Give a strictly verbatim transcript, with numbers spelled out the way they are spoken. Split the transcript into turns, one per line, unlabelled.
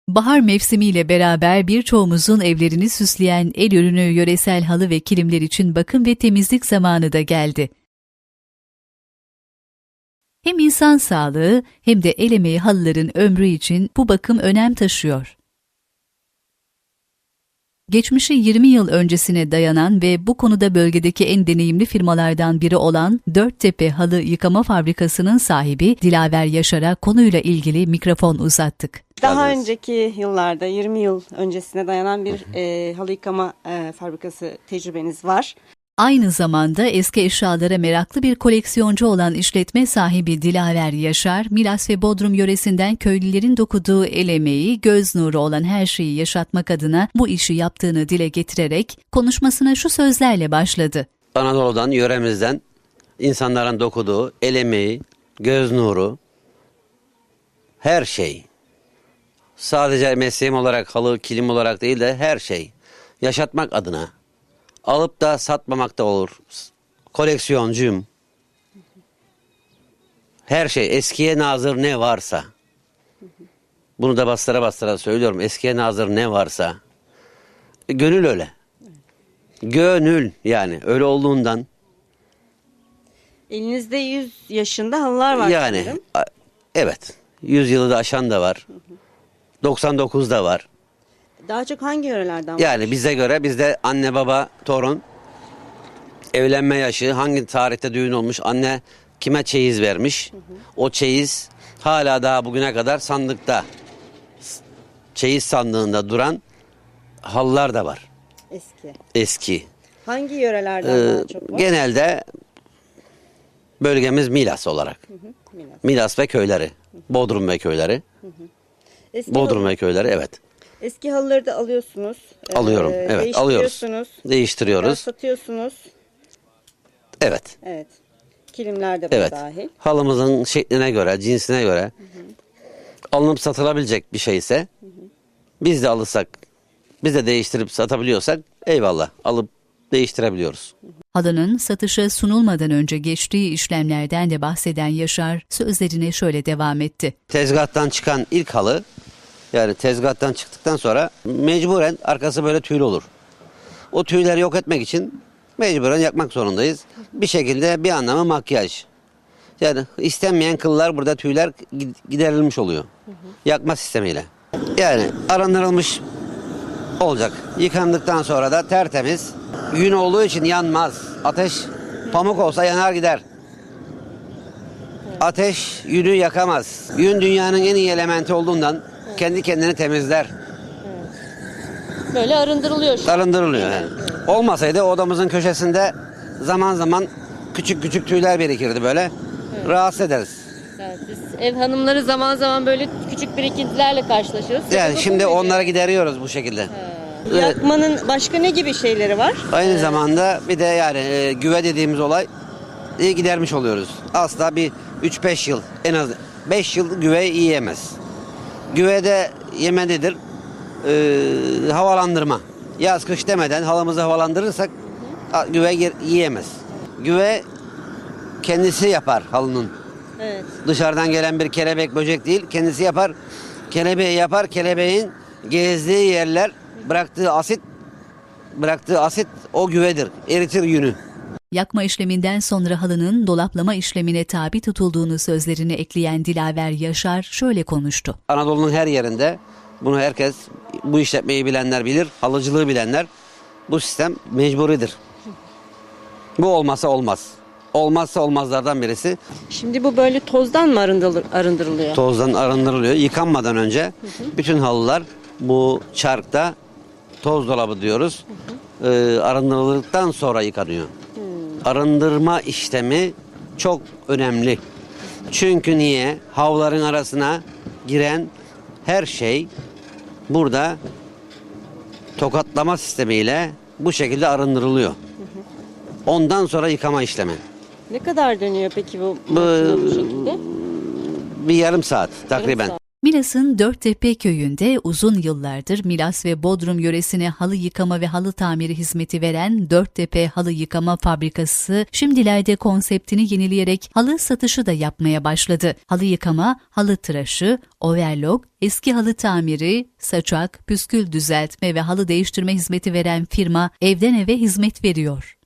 Bahar mevsimiyle beraber birçoğumuzun evlerini süsleyen el ürünü yöresel halı ve kilimler için bakım ve temizlik zamanı da geldi. Hem insan sağlığı hem de el emeği halıların ömrü için bu bakım önem taşıyor. Geçmişi yirmi yıl öncesine dayanan ve bu konuda bölgedeki en deneyimli firmalardan biri olan Dörttepe Halı Yıkama Fabrikası'nın sahibi Dilaver Yaşar'a konuyla ilgili mikrofon uzattık.
Daha önceki yıllarda yirmi yıl öncesine dayanan bir e, halı yıkama e, fabrikası tecrübeniz var.
Aynı zamanda eski eşyalara meraklı bir koleksiyoncu olan işletme sahibi Dilaver Yaşar, Milas ve Bodrum yöresinden köylülerin dokuduğu el emeği, göz nuru olan her şeyi yaşatmak adına bu işi yaptığını dile getirerek konuşmasına şu sözlerle başladı.
Anadolu'dan, yöremizden insanların dokuduğu el emeği, göz nuru, her şey. Sadece mesleğim olarak, halı, kilim olarak değil de her şey. Yaşatmak adına. Alıp da satmamak da olur. Koleksiyoncuyum. Her şey eskiye nazır ne varsa. Bunu da bastıra bastıra söylüyorum. Eskiye nazır ne varsa. Gönül öyle. Gönül yani öyle olduğundan.
Elinizde yüz yaşında halılar var.
Yani
sanırım.
evet. yüz yılı da aşan da var. doksan dokuz da var.
Daha çok hangi yörelerden var?
Yani bize göre bizde anne baba torun evlenme yaşı hangi tarihte düğün olmuş anne kime çeyiz vermiş hı hı. O çeyiz hala daha bugüne kadar sandıkta çeyiz sandığında duran halılar da var.
Eski.
Eski.
Hangi yörelerden
ee,
daha çok var?
Genelde bölgemiz Milas olarak. Hı hı. Milas. Milas ve köyleri. Hı hı. Bodrum ve köyleri. Hı hı. Eski Bodrum halı... ve köyleri evet.
Eski halıları da alıyorsunuz.
Alıyorum.
Ee,
evet alıyoruz. Değiştiriyoruz.
Satıyorsunuz.
Evet.
Evet. Kilimler de buna
evet.
dahil.
Halımızın şekline göre, cinsine göre hı hı. alınıp satılabilecek bir şeyse hı hı. biz de alırsak, biz de değiştirip satabiliyorsak eyvallah alıp değiştirebiliyoruz.
Halının satışa sunulmadan önce geçtiği işlemlerden de bahseden Yaşar sözlerine şöyle devam etti.
Tezgahtan çıkan ilk halı yani tezgahtan çıktıktan sonra mecburen arkası böyle tüylü olur. O tüyleri yok etmek için mecburen yakmak zorundayız. Bir şekilde bir anlamı makyaj. Yani istenmeyen kıllar burada tüyler giderilmiş oluyor. Yakma sistemiyle. Yani arındırılmış olacak. Yıkandıktan sonra da tertemiz. Yün olduğu için yanmaz. Ateş pamuk olsa yanar gider. Ateş yünü yakamaz. Yün dünyanın en iyi elementi olduğundan kendi kendini temizler.
Böyle arındırılıyor. Şu
Arındırılıyor yani. Olmasaydı odamızın köşesinde zaman zaman küçük küçük tüyler birikirdi böyle. Evet. Rahatsız ederiz.
Evet, biz ev hanımları zaman zaman böyle küçük birikintilerle karşılaşıyoruz.
Yani Sıkı şimdi onları gideriyoruz bu şekilde.
Evet. Yakmanın başka ne gibi şeyleri var?
Aynı
evet.
zamanda bir de yani e, güve dediğimiz olay e, gidermiş oluyoruz. Asla bir üç beş yıl en az beş yıl güve yiyemez. Güvede yemelidir. E, havalandırma. Yaz kış demeden halımızı havalandırırsak hı hı. güve yiyemez. Güve kendisi yapar halının. Evet. Dışarıdan gelen bir kelebek böcek değil kendisi yapar. Kelebeği yapar. Kelebeğin gezdiği yerler bıraktığı asit bıraktığı asit o güvedir. Eritir yünü.
Yakma işleminden sonra halının dolaplama işlemine tabi tutulduğunu sözlerine ekleyen Dilaver Yaşar şöyle konuştu.
Anadolu'nun her yerinde bunu herkes bu işletmeyi bilenler bilir, halıcılığı bilenler bu sistem mecburidir. Bu olmazsa olmaz. Olmazsa olmazlardan birisi.
Şimdi bu böyle tozdan mı arındırılıyor?
Tozdan arındırılıyor. Yıkanmadan önce hı hı. bütün halılar bu çarkta toz dolabı diyoruz. Hı hı. E, arındırıldıktan sonra yıkanıyor. Hı. Arındırma işlemi çok önemli. Çünkü niye? Havların arasına giren her şey burada tokatlama sistemiyle bu şekilde arındırılıyor. Hı hı. Ondan sonra yıkama işlemi.
Ne kadar dönüyor peki bu, bu, bu şekilde?
Bir yarım saat takriben. Yarım saat.
Milas'ın Dörttepe köyünde uzun yıllardır Milas ve Bodrum yöresine halı yıkama ve halı tamiri hizmeti veren Dörttepe Halı Yıkama Fabrikası şimdilerde konseptini yenileyerek halı satışı da yapmaya başladı. Halı yıkama, halı tıraşı, overlock, eski halı tamiri, saçak, püskül düzeltme ve halı değiştirme hizmeti veren firma evden eve hizmet veriyor.